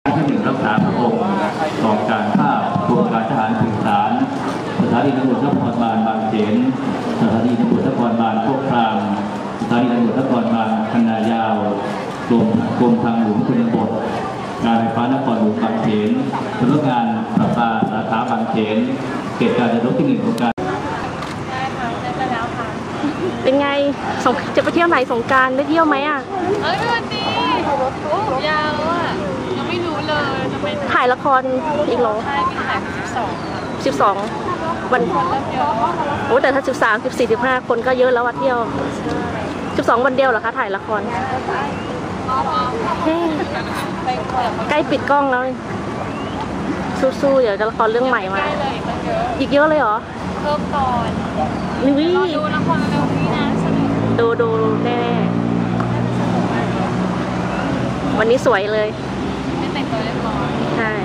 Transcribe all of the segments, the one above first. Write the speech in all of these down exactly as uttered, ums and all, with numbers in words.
ที่หนึ่งรักษาพระองค์กองการภาพกรมการทหารสื่อสารสถานีตำรวจนครบาลบางเขนสถานีตำรวจนครบาลโคกครามสถานีตำรวจนครบาลคันนายาวกรมกรมทางหลวงชนบทการไฟฟ้านครหลวงบางเขนสำนักงานประปาสาขาบางเขนเขตการจนาพิเศษของการเป็นไงจะไปเที่ยวไหนสงกรานต์ได้เที่ยวไหมอ่ะเอ้ยวันดีผมยาวแล้วอ่ะยังไม่รู้เลยจะไปถ่ายละครอีกเหรอใช่มีถ่ายสิบสองสิบสองวันโอ้แต่ถ้าสิบสามสิบสี่สิบห้าคนก็เยอะแล้วว่าเที่ยวสิบสองวันเดียวเหรอคะถ่ายละครใกล้ปิดกล้องแล้วสู้ๆเดี๋ยวจะละครเรื่องใหม่มาอีกเยอะเลยเหรอเพิ่มก่อนนี่ดูละครเร็วนี้นะสนุกดูดูแน่วันนี้สวยเลยไม่แต่งตัวเรียบร้อยใช่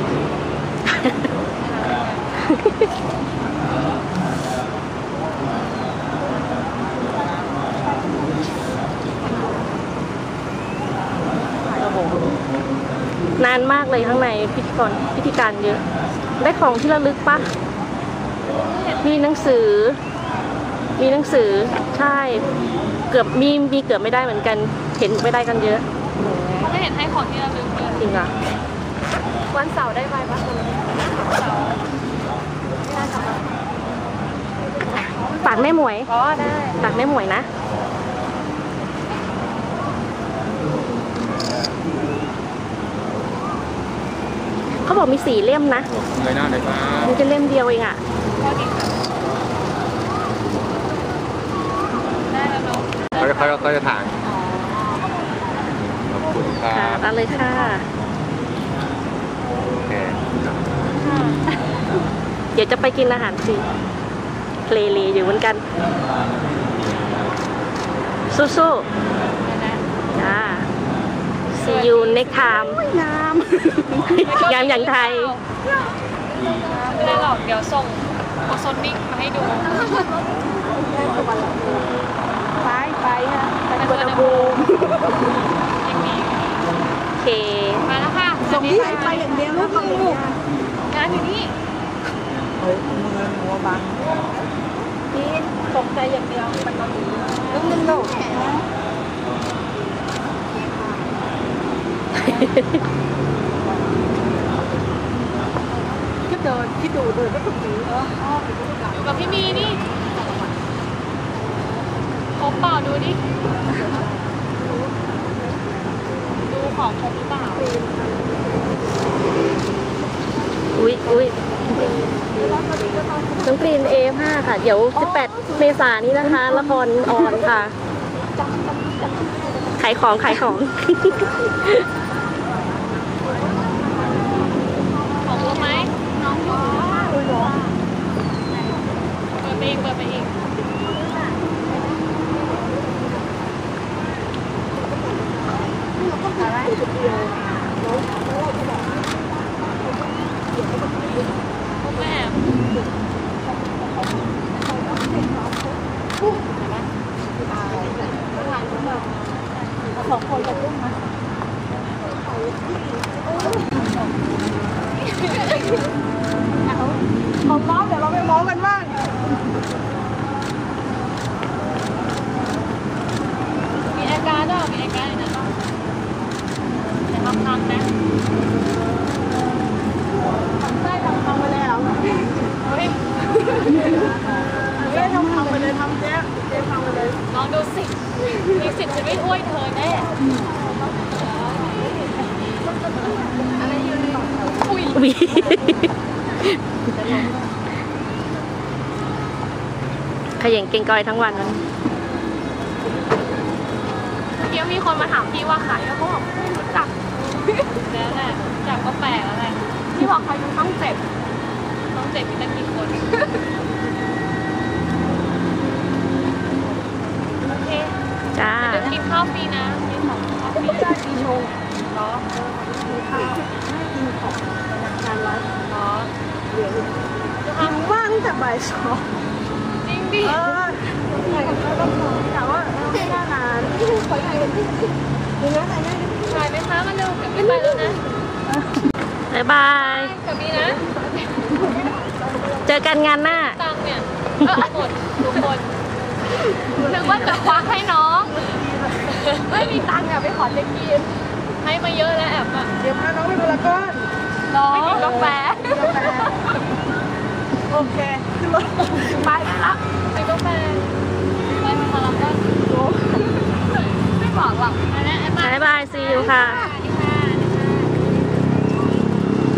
นานมากเลยข้างในพิธีกรพิธีการเยอะได้ของที่ระลึกปะมีหนังสือมีหนังสือใช่เกือบมีมีเกือบไม่ได้เหมือนกันเห็นไม่ได้กันเยอะเขาไม่เห็นให้ของที่ระลึกเลยจริงอ่ะวันเสาร์ได้ไหมปะเสาร์ฝากแม่หมวยอ๋อได้ฝากแม่หมวยนะเขาบอกมีสี่เล่มนะเลยหน้าเลยครับมันจะเล่มเดียวเองอ่ะเขาจะเขาเขาจะถ่ายขอบคุณครับตัดเลยค่ะโอเคเดี๋ยวจะไปกินอาหารสิเพลเลอยู่เหมือนกันสู้ๆจ้าSee you next time งามงามอย่างไทยไม่ได้หรอกเดี๋ยวส่งโอโซนนิ่งมาให้ดูไปไปค่ะไปกวนบูโอเคมาแล้วค่ะส่งที่ไหนไปอย่างเดียวแล้วก็ลูกงานอยู่นี่เฮ้ยมือหัวบังนี่ตกใจอย่างเดียวมันก็มีลูกนึงลูกคิดเดินคิดดูเดินก็ตรงนี้เอออยู่กับพี่มีนี่ครบเปล่าดูดิดูของครบหรือเปล่าอุ้ยอุ้ยน้องกรีน เอ ห้า ค่ะเดี๋ยวสิบแปดเมษายนนี้นะคะละครออนค่ะขายของขายของของรู้ไหมน้องรู้เปิดไปอีกเปิดไปอีกแม่สองคนกับลูกนะของน้องเดี๋ยวเราไปมองกันบ้างมีอาการด้วยมีอาการนะแต่ทำทำนะทำได้ทำทำไปแล้วเฮ้ยไม่ทำทำไปเลยทำเจ๊เจ๊ทำไปเลยลองดูสิมีสิทธิ์จะไม่อ้วยเธอแน่อะไรอยู่ในอุ้ยขย่งเก่งกอยทั้งวันนั้นเดี๋ยวมีคนมาถามพี่ว่าใครแล้วเขาบอกไม่รู้จักแล้วแหละจากก็แปลกแล้วแหละที่บอกใครดูต้องเจ็บต้องเจ็บมีตั้งกี่คนโอเคจ้าเดี๋ยวกินข้าวฟรีนะมีของข้าวฟรีได้ปีโชว์เนาะมีข้าวให้กินของงานวัดเนาะเหลือหิวมากตั้งแต่บ่ายสองจริงดิเออแต่ว่าไม่น่านานขอถ่ายกันที่นี่นะถ่ายได้ถ่ายไหมคะมาเร็วเดี๋ยวไม่ไปแล้วนะบ๊ายบายกับนี้นะเจอกันงานหน้าตังค์เนี่ยเออหมดทุกคนนึกว่าจะควักให้น้อง ไม่มีตังค์อะไปขอเจ๊กีนให้มาเยอะแล้วแอบอะเดี๋ยวพาน้องไปพารากอนน้องไม่กินกาแฟโอเคขึ้นรถไปละไปกาแฟไปพารากอนไม่บอกหรอกไปแล้วบ๊ายบาย ซีอูค่ะ